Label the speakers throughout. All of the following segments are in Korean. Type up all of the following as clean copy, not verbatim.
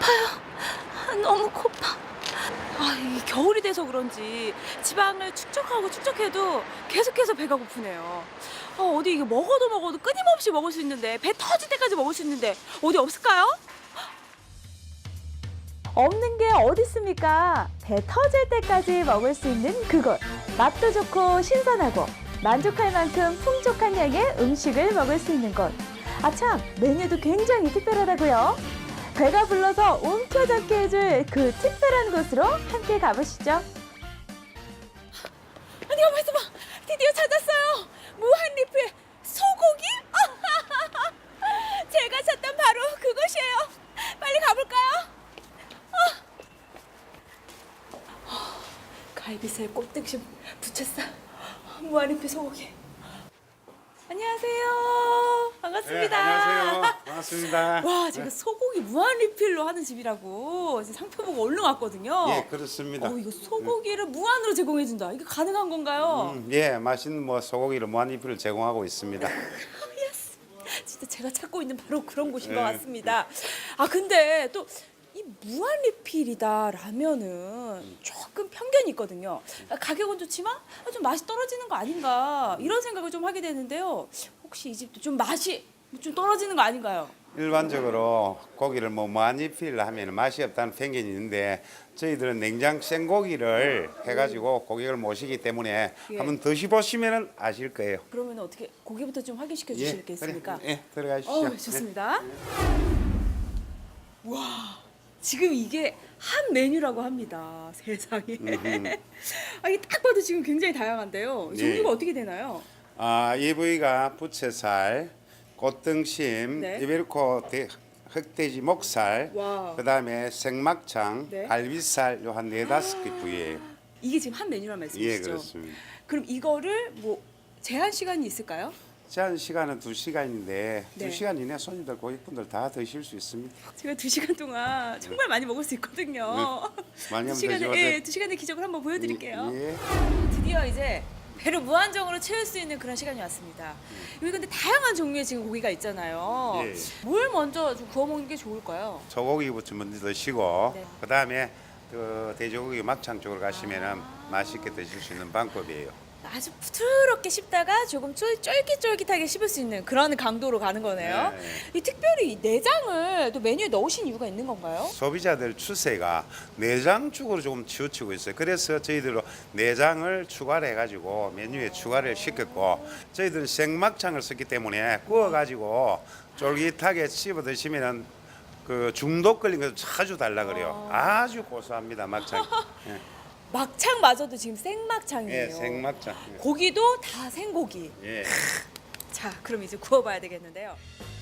Speaker 1: 너무 고파. 이 겨울이 돼서 그런지 지방을 축적하고 축적해도 계속해서 배가 고프네요. 어디 이게 먹어도 끊임없이 먹을 수 있는데, 배 터질 때까지 먹을 수 있는데 어디 없을까요?
Speaker 2: 없는 게 어디 있습니까? 배 터질 때까지 먹을 수 있는 그곳. 맛도 좋고 신선하고 만족할 만큼 풍족한 양의 음식을 먹을 수 있는 곳. 아참, 메뉴도 굉장히 특별하다고요. 배가 불러서 움켜잡게 해줄 그 특별한 곳으로 함께 가보시죠.
Speaker 1: 아니, 가만 있어봐. 드디어 찾았어요. 무한리필 소고기? 제가 찾던 바로 그곳이에요. 빨리 가볼까요? 갈비살, 꽃등심, 부채살, 무한리필 소고기. 안녕하세요. 반갑습니다.
Speaker 3: 네, 안녕하세요. 반갑습니다.
Speaker 1: 와, 제가 소고기 무한리필로 하는 집이라고 이제 상표 보고 얼른 왔거든요.
Speaker 3: 예, 그렇습니다.
Speaker 1: 이거 소고기를 무한으로 제공해준다. 이게 가능한 건가요?
Speaker 3: 예, 맛있는 소고기를 무한리필을 제공하고 있습니다.
Speaker 1: 예스. 진짜 제가 찾고 있는 바로 그런 곳인 것
Speaker 3: 네.
Speaker 1: 같습니다. 근데 또 이 무한리필이다라면은 조금 편견이 있거든요. 가격은 좋지만 좀 맛이 떨어지는 거 아닌가 이런 생각을 좀 하게 되는데요. 혹시 이 집도 좀 맛이 좀 떨어지는 거 아닌가요?
Speaker 3: 일반적으로 고기를 무한리필 하면 맛이 없다는 편견이 있는데 저희들은 냉장 생고기를 해가지고 고객을 모시기 때문에
Speaker 1: 예.
Speaker 3: 한번 드셔보시면 아실 거예요.
Speaker 1: 그러면 어떻게 고기부터 좀 확인시켜 주실 게 있습니까?
Speaker 3: 그래. 예, 들어가시죠.
Speaker 1: 좋습니다. 와, 지금 이게 한 메뉴라고 합니다. 세상에. 이게 딱 봐도 지금 굉장히 다양한데요.
Speaker 3: 네.
Speaker 1: 종류가 어떻게 되나요?
Speaker 3: 이 부위가 부채살, 꽃등심,
Speaker 1: 네.
Speaker 3: 이베리코 흑돼지 목살,
Speaker 1: 와.
Speaker 3: 그다음에 생막창,
Speaker 1: 네.
Speaker 3: 갈비살 요 한 4-5개 부위예요.
Speaker 1: 이게 지금 한 메뉴란 말씀이시죠?
Speaker 3: 예, 그렇습니다.
Speaker 1: 그럼 이거를 뭐 제한 시간이 있을까요?
Speaker 3: 제한 시간은 2시간인데
Speaker 1: 네.
Speaker 3: 2시간 이내 손님들 고객분들 다 드실 수 있습니다.
Speaker 1: 제가 2시간 동안 정말 많이 먹을 수 있거든요.
Speaker 3: 네. 많이 한번
Speaker 1: 2시간에,
Speaker 3: 드셔보세요.
Speaker 1: 예, 2시간의 기적을 한번 보여드릴게요.
Speaker 3: 예.
Speaker 1: 드디어 이제 배를 무한정으로 채울 수 있는 그런 시간이 왔습니다. 여기 근데 다양한 종류의 지금 고기가 있잖아요.
Speaker 3: 예.
Speaker 1: 뭘 먼저 좀 구워 먹는 게 좋을까요?
Speaker 3: 소고기부터 먼저 드시고
Speaker 1: 네.
Speaker 3: 그다음에 그 돼지고기 막창 쪽으로 가시면은 맛있게 드실 수 있는 방법이에요.
Speaker 1: 아주 부드럽게 씹다가 조금 쫄깃쫄깃하게 씹을 수 있는 그런 강도로 가는 거네요.
Speaker 3: 네.
Speaker 1: 이 특별히 이 내장을 또 메뉴에 넣으신 이유가 있는 건가요?
Speaker 3: 소비자들 추세가 내장 쪽으로 조금 치우치고 있어요. 그래서 저희들로 내장을 추가를 해가지고 메뉴에 추가를 시켰고 저희들은 생막창을 썼기 때문에 구워가지고 쫄깃하게 씹어 드시면은 그 중독 걸린 거 자주 달라 그래요. 아주 고소합니다 막창. 예.
Speaker 1: 막창마저도 지금 생막창이에요.
Speaker 3: 예, 생막창.
Speaker 1: 고기도 다 생고기.
Speaker 3: 예.
Speaker 1: 자, 그럼 이제 구워봐야 되겠는데요.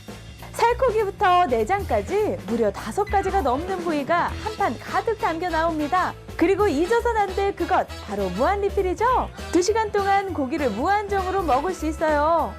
Speaker 2: 살코기부터 내장까지 무려 5가지가 넘는 부위가 한 판 가득 담겨 나옵니다. 그리고 잊어서는 안 될 그것, 바로 무한리필이죠. 2시간 동안 고기를 무한정으로 먹을 수 있어요.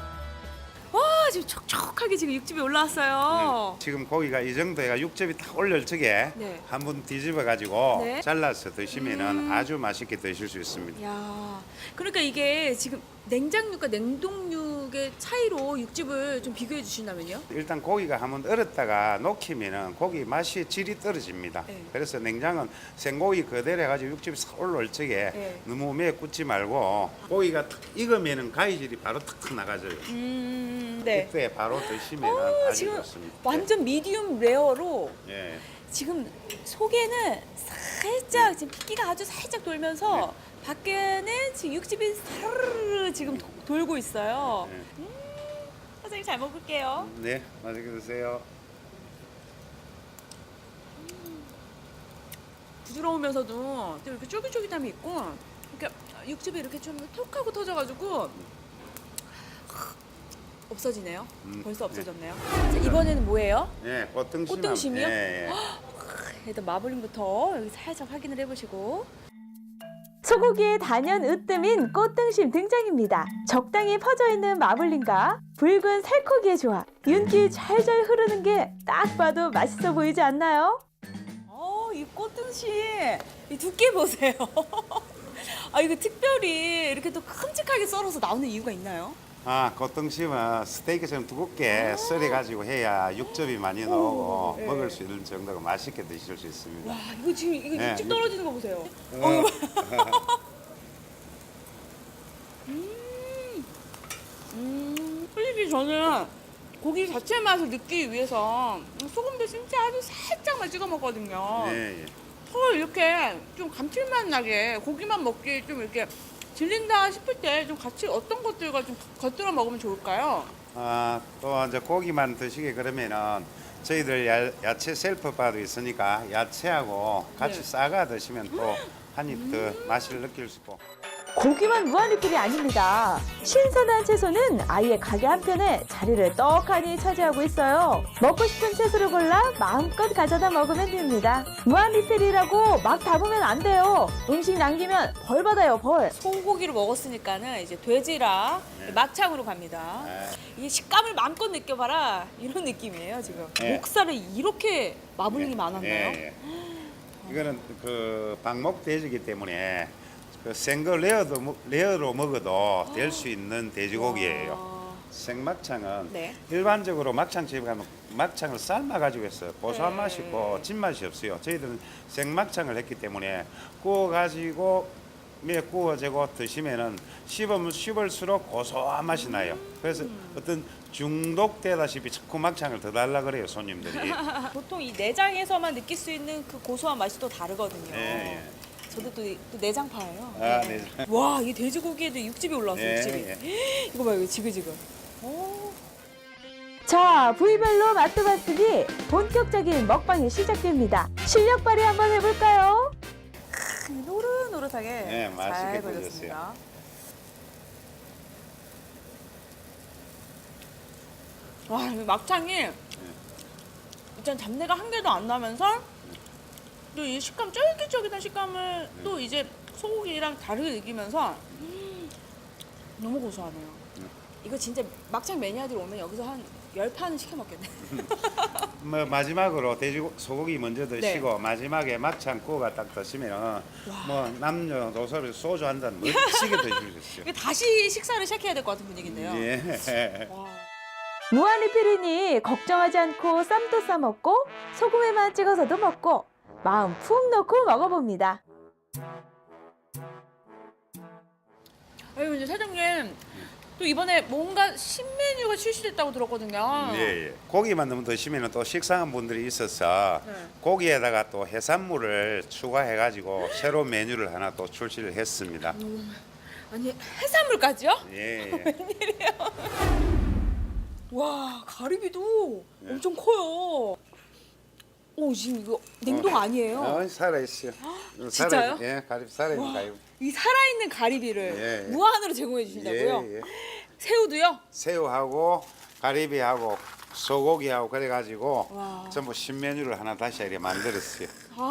Speaker 1: 와, 지금 촉촉하게 지금 육즙이 올라왔어요.
Speaker 3: 지금 고기가 이 정도 해가 육즙이 딱 올릴 적에
Speaker 1: 네.
Speaker 3: 한번 뒤집어 가지고
Speaker 1: 네.
Speaker 3: 잘라서 드시면은 아주 맛있게 드실 수 있습니다.
Speaker 1: 야, 그러니까 이게 지금 냉장육과 냉동육의 차이로 육즙을 좀 비교해 주신다면요?
Speaker 3: 일단 고기가 한번 얼었다가 녹히면은 고기 맛이 질이 떨어집니다.
Speaker 1: 네.
Speaker 3: 그래서 냉장은 생고기 그대로 해가지고 육즙이 싹 올라올 적에
Speaker 1: 네.
Speaker 3: 너무 오래 굽지 말고 고기가 탁 익으면은 가위질이 바로 탁 나가져요.
Speaker 1: 네.
Speaker 3: 그때 바로 드시면 아주
Speaker 1: 지금
Speaker 3: 좋습니다.
Speaker 1: 완전 미디움 레어로
Speaker 3: 예.
Speaker 1: 지금 속에는 살짝 지금 핏기가 아주 살짝 돌면서 밖에는 지금 육즙이 사르르 지금 돌고 있어요.
Speaker 3: 네.
Speaker 1: 사장님 잘 먹을게요.
Speaker 3: 네, 맛있게 드세요.
Speaker 1: 부드러우면서도 또 이렇게 쫄깃쫄깃함이 있고 이렇게 육즙이 이렇게 좀 톡하고 터져가지고 없어지네요. 벌써 없어졌네요. 자, 이번에는 뭐예요?
Speaker 3: 예, 꽃등심.
Speaker 1: 꽃등심이요?
Speaker 3: 예, 예.
Speaker 1: 일단 마블링부터 여기 살짝 확인을 해보시고.
Speaker 2: 소고기의 단연 으뜸인 꽃등심 등장입니다. 적당히 퍼져있는 마블링과 붉은 살코기의 조합. 윤기 잘잘 흐르는 게 딱 봐도 맛있어 보이지 않나요?
Speaker 1: 이 꽃등심 이 두께 보세요. 이거 특별히 이렇게 또 큼직하게 썰어서 나오는 이유가 있나요?
Speaker 3: 겉등심은 스테이크처럼 두껍게 썰어가지고 해야 육즙이 많이 나오고
Speaker 1: 네.
Speaker 3: 먹을 수 있는 정도가 맛있게 드실 수 있습니다.
Speaker 1: 와, 이거 지금 이거
Speaker 3: 네,
Speaker 1: 육즙
Speaker 3: 이거-
Speaker 1: 떨어지는 거 보세요. 솔직히 저는 고기 자체 맛을 느끼기 위해서 소금도 진짜 아주 살짝만 찍어 먹거든요.
Speaker 3: 예, 예.
Speaker 1: 더 이렇게 좀 감칠맛 나게 고기만 먹기 좀 이렇게 질린다 싶을 때 좀 같이 어떤 것들과 좀 곁들여 먹으면 좋을까요?
Speaker 3: 또 이제 고기만 드시게 그러면은 저희들 야채 셀프바도 있으니까 야채하고 같이
Speaker 1: 네.
Speaker 3: 싸가 드시면 또 한 입 더 맛을 느낄 수 있고.
Speaker 2: 고기만 무한리필이 아닙니다. 신선한 채소는 아예 가게 한편에 자리를 떡하니 차지하고 있어요. 먹고 싶은 채소를 골라 마음껏 가져다 먹으면 됩니다. 무한리필이라고 막 담으면 안 돼요. 음식 남기면 벌 받아요, 벌.
Speaker 1: 소고기를 먹었으니까는 이제 돼지라
Speaker 3: 네.
Speaker 1: 막창으로 갑니다.
Speaker 3: 예.
Speaker 1: 이게 식감을 마음껏 느껴봐라 이런 느낌이에요 지금.
Speaker 3: 네.
Speaker 1: 목살을 이렇게 마블링이 많았나요?
Speaker 3: 예, 예. 이거는 그 방목 돼지이기 때문에 그 생거 레어로 먹어도 될 수 있는 돼지고기예요.
Speaker 1: 와.
Speaker 3: 생막창은
Speaker 1: 네.
Speaker 3: 일반적으로 막창집에 가면 막창을 삶아 가지고 있어요. 고소한
Speaker 1: 네.
Speaker 3: 맛이 있고 진맛이 없어요. 저희들은 생막창을 했기 때문에 구워 가지고 구워지고 드시면은 씹을수록 고소한 맛이 나요. 그래서 어떤 중독되다시피 자꾸 막창을 더 달라 그래요 손님들이.
Speaker 1: 보통 이 내장에서만 느낄 수 있는 그 고소한 맛이 또 다르거든요.
Speaker 3: 예, 예.
Speaker 1: 저도 또 내장파예요.
Speaker 3: 내장.
Speaker 1: 와, 이 돼지고기에도 육즙이 올라왔어요.
Speaker 3: 예,
Speaker 1: 육즙이.
Speaker 3: 예.
Speaker 1: 이거 봐요, 이거 지글지글. 오.
Speaker 2: 자, 부위별로 맛도 봤으니 본격적인 먹방이 시작됩니다. 실력 발휘 한번 해볼까요?
Speaker 1: 노릇노릇하게
Speaker 3: 네, 맛있게
Speaker 1: 잘
Speaker 3: 구워졌어요.
Speaker 1: 구워졌습니다. 와, 이 막창이 일단 잡내가 한 개도 안 나면서 또 이 식감 쫄깃쫄깃한 식감을 또 이제 소고기랑 다르게 느끼면서 너무 고소하네요. 이거 진짜 막창 매니아들 오면 여기서 한 10판은 시켜 먹겠네.
Speaker 3: 뭐 마지막으로 소고기 먼저 드시고
Speaker 1: 네.
Speaker 3: 마지막에 막창 구워가 딱 드시면 뭐 남녀노소를 소주 한 잔 멋지게 드실 수 있어요.
Speaker 1: 이거 다시 식사를 시작해야 될 것 같은 분위기인데요.
Speaker 3: 예.
Speaker 1: 와.
Speaker 2: 무한리필이니 걱정하지 않고 쌈도 싸먹고 소금에만 찍어서도 먹고 마음 푹 넣고 먹어봅니다.
Speaker 1: 아유, 이제 사장님 또 이번에 뭔가 신메뉴가 출시됐다고 들었거든요.
Speaker 3: 예, 예. 고기만 너무 드시면 또 식상한 분들이 있어서
Speaker 1: 네.
Speaker 3: 고기에다가 또 해산물을 추가해가지고 새로운 메뉴를 하나 또 출시를 했습니다.
Speaker 1: 아니, 해산물까지요?
Speaker 3: 예, 예.
Speaker 1: 와, 가리비도
Speaker 3: 네.
Speaker 1: 엄청 커요. 오, 지금 이거 냉동 아니에요?
Speaker 3: 살아있어요.
Speaker 1: 진짜요?
Speaker 3: 예, 가리비 살아있는
Speaker 1: 와,
Speaker 3: 가리비.
Speaker 1: 이 살아있는 가리비를
Speaker 3: 예, 예.
Speaker 1: 무한으로 제공해 주신다고요?
Speaker 3: 예, 예.
Speaker 1: 새우도요?
Speaker 3: 새우하고 가리비하고 소고기하고 그래가지고
Speaker 1: 와.
Speaker 3: 전부 신메뉴를 하나 다시 이렇게 만들었어요.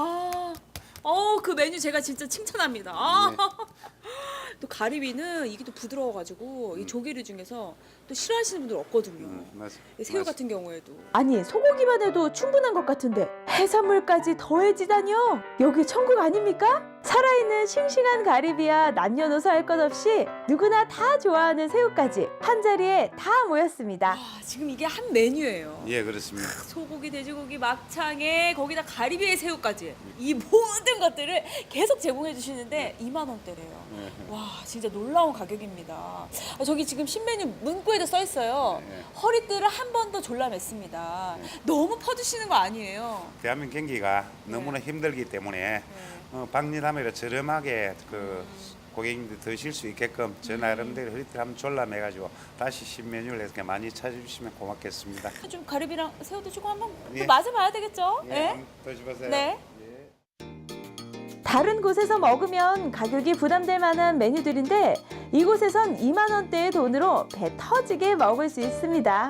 Speaker 1: 그 메뉴 제가 진짜 칭찬합니다.
Speaker 3: 네.
Speaker 1: 또 가리비는 이게 또 부드러워가지고 이 조개류 중에서 또 싫어하시는 분들 없거든요.
Speaker 3: 맞아.
Speaker 1: 이 새우 같은 경우에도.
Speaker 2: 아니, 소고기만 해도 충분한 것 같은데 해산물까지 더해지다니요? 여기 천국 아닙니까? 살아있는 싱싱한 가리비와 남녀노소 할 것 없이 누구나 다 좋아하는 새우까지 한 자리에 다 모였습니다.
Speaker 1: 와, 지금 이게 한 메뉴예요.
Speaker 3: 예, 그렇습니다.
Speaker 1: 소고기, 돼지고기, 막창에 거기다 가리비에 새우까지 이 모든 것들을 계속 제공해 주시는데 2만 원대래요. 와, 진짜 놀라운 가격입니다. 저기 지금 신메뉴 문구에도 써 있어요.
Speaker 3: 네.
Speaker 1: 허리띠를 한 번 더 졸라맸습니다. 너무 퍼주시는 거 아니에요?
Speaker 3: 대한민국 경기가 너무나 힘들기 때문에 박리담회로 저렴하게 그 고객님들 드실 수 있게끔 저 나름대로 허리띠를 한번 졸라매가지고 다시 신메뉴를 이렇게 많이 찾아주시면 고맙겠습니다.
Speaker 1: 좀 가리비랑 새우도 주고 한번
Speaker 3: 예.
Speaker 1: 또 맛을 봐야 되겠죠?
Speaker 3: 예,
Speaker 1: 네?
Speaker 3: 한번 드셔보세요.
Speaker 1: 네.
Speaker 3: 예.
Speaker 2: 다른 곳에서 먹으면 가격이 부담될 만한 메뉴들인데 이곳에선 2만 원대의 돈으로 배 터지게 먹을 수 있습니다.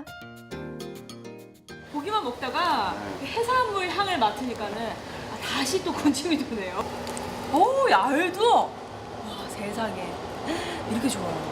Speaker 1: 고기만 먹다가 해산물 향을 맡으니까는 다시 또 군침이 도네요. 어우, 알도! 와, 세상에. 이렇게 좋아요.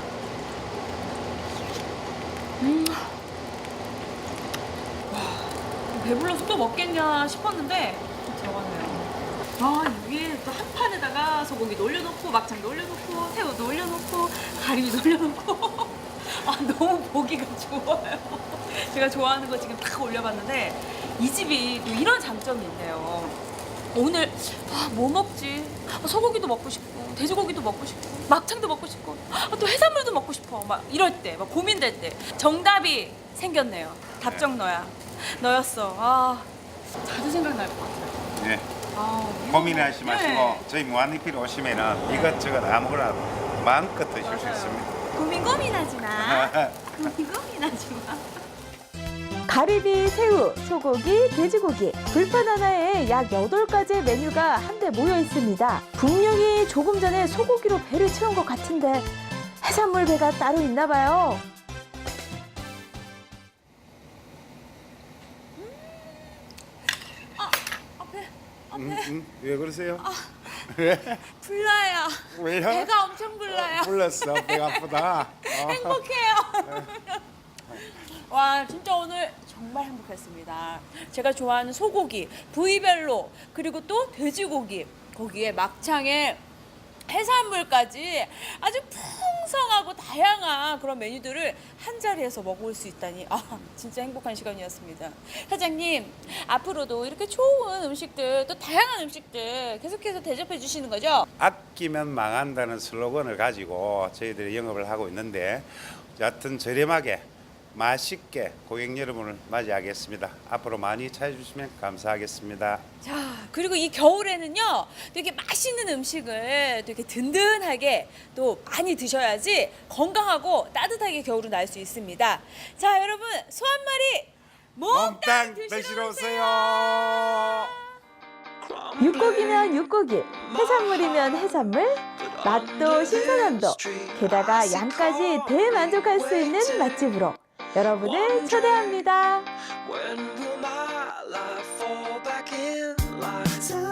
Speaker 1: 와, 배불러서 또 먹겠냐 싶었는데 또 들어갔네요. 위에 또 한 판에다가 소고기 올려놓고 막창도 올려놓고 새우도 올려놓고 가리비도 올려놓고 아, 너무 보기가 좋아요. 제가 좋아하는 거 지금 딱 올려봤는데 이 집이 또 이런 장점이 있네요. 오늘 뭐 먹지? 소고기도 먹고 싶고 돼지고기도 먹고 싶고 막창도 먹고 싶고 또 해산물도 먹고 싶어. 막 이럴 때, 막 고민될 때 정답이 생겼네요. 답정 너야. 너였어. 자주 생각날 것 같아요.
Speaker 3: 네.
Speaker 1: 아,
Speaker 3: 고민하지 마시고
Speaker 1: 네.
Speaker 3: 저희 무한리필 오시면은 이것저것 아무거나 마음껏 드실 수
Speaker 1: 맞아요.
Speaker 3: 있습니다.
Speaker 1: 고민하지 마. 고민하지 마.
Speaker 2: 가리비, 새우, 소고기, 돼지고기, 불판 하나에 약 8가지의 메뉴가 한데 모여 있습니다. 분명히 조금 전에 소고기로 배를 채운 것 같은데 해산물 배가 따로 있나 봐요.
Speaker 3: 왜 그러세요?
Speaker 1: 불나요.
Speaker 3: 왜요?
Speaker 1: 배가 엄청 불나요.
Speaker 3: 불렀어. 배가 아프다.
Speaker 1: 행복해요. 와, 진짜 오늘 정말 행복했습니다. 제가 좋아하는 소고기, 부위별로, 그리고 또 돼지고기, 거기에 막창에 해산물까지 아주 풍성하고 다양한 그런 메뉴들을 한 자리에서 먹을 수 있다니 진짜 행복한 시간이었습니다. 사장님, 앞으로도 이렇게 좋은 음식들, 또 다양한 음식들 계속해서 대접해 주시는 거죠?
Speaker 3: 아끼면 망한다는 슬로건을 가지고 저희들이 영업을 하고 있는데 여하튼 저렴하게 맛있게 고객 여러분을 맞이하겠습니다. 앞으로 많이 찾아주시면 감사하겠습니다.
Speaker 1: 자, 그리고 이 겨울에는요, 되게 맛있는 음식을 되게 든든하게 또 많이 드셔야지 건강하고 따뜻하게 겨울을 날 수 있습니다. 자, 여러분, 소 한 마리 몽땅 드시러 오세요.
Speaker 2: 육고기면 육고기, 해산물이면 해산물, 맛도 신선함도, 게다가 양까지 대만족할 수 있는 맛집으로 여러분을 초대합니다.
Speaker 4: When will my life fall back in line?